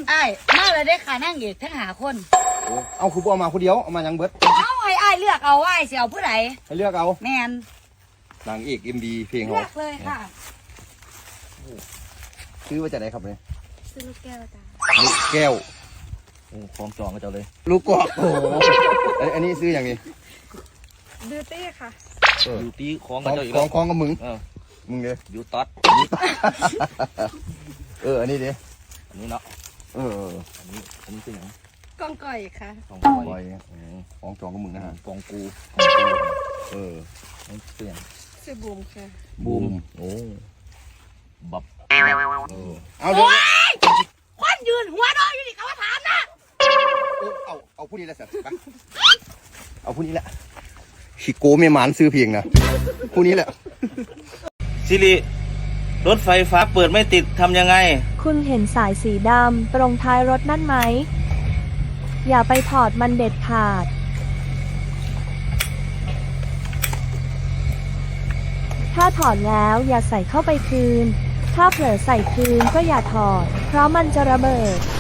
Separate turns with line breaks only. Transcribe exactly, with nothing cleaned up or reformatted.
ไอ้มาเลยได้ค่ะนั่งเอกทั้งหาคน
เอาคือบ่เอามาคนเดียวเอามายังเบิด
เอาให้ไอ้เลือกเอาไอ้เสียวผู้ใด
ให้เลือกเอา
แมน
นางเอกเอ็มดีเพลง
เลื
เขา
อกเลยค่ะ
ซื้อมาจากไหนครับเนี่ย
ซื้อลูกแก้วจ้า
ลูกแก้ว
โอ้คล้องจองก็เจ้าเลย
ลูกกอกโอ้โหอันนี้ซื้ออย่างนี้
บิวตี้ค่ะ
อยู่ตีคล้อง
ข
กับ
อง
เจ้าอีก
ข
แล้
อ
ว
งของกับมึงมึงเลย
อยู่ต๊อด
เอออันนี้ดิ
อันนี้เนาะ
เออ
อันนี้อันนี้คืออย่าง
กองก่อยค่ะ
ของ
ป
ป
ล่
ล่
อ
อย ย
ของจองกับมึงนะฮะ
กองกู
เออ
นี่เปลี่ยน
ซื้อบูมค่ะ
บูม
โอ้บับ
เออเอาเลย
ควันยืนหัวดอยอยู่นี่เขาว่าถามนะ
เอาเอาผู้นี้แหละสิไปเอาผู้นี้แหละชิโก้เมียหมานซื้อเพียงนะผู้นี้แหละ
ซิริรถไฟฟ้าเปิดไม่ติดทำยังไง
คุณเห็นสายสีดำตรงท้ายรถนั่นไหมอย่าไปถอดมันเด็ดขาดถ้าถอดแล้วอย่าใส่เข้าไปคืนถ้าเผลอใส่คืนก็อย่าถอดเพราะมันจะระเบิด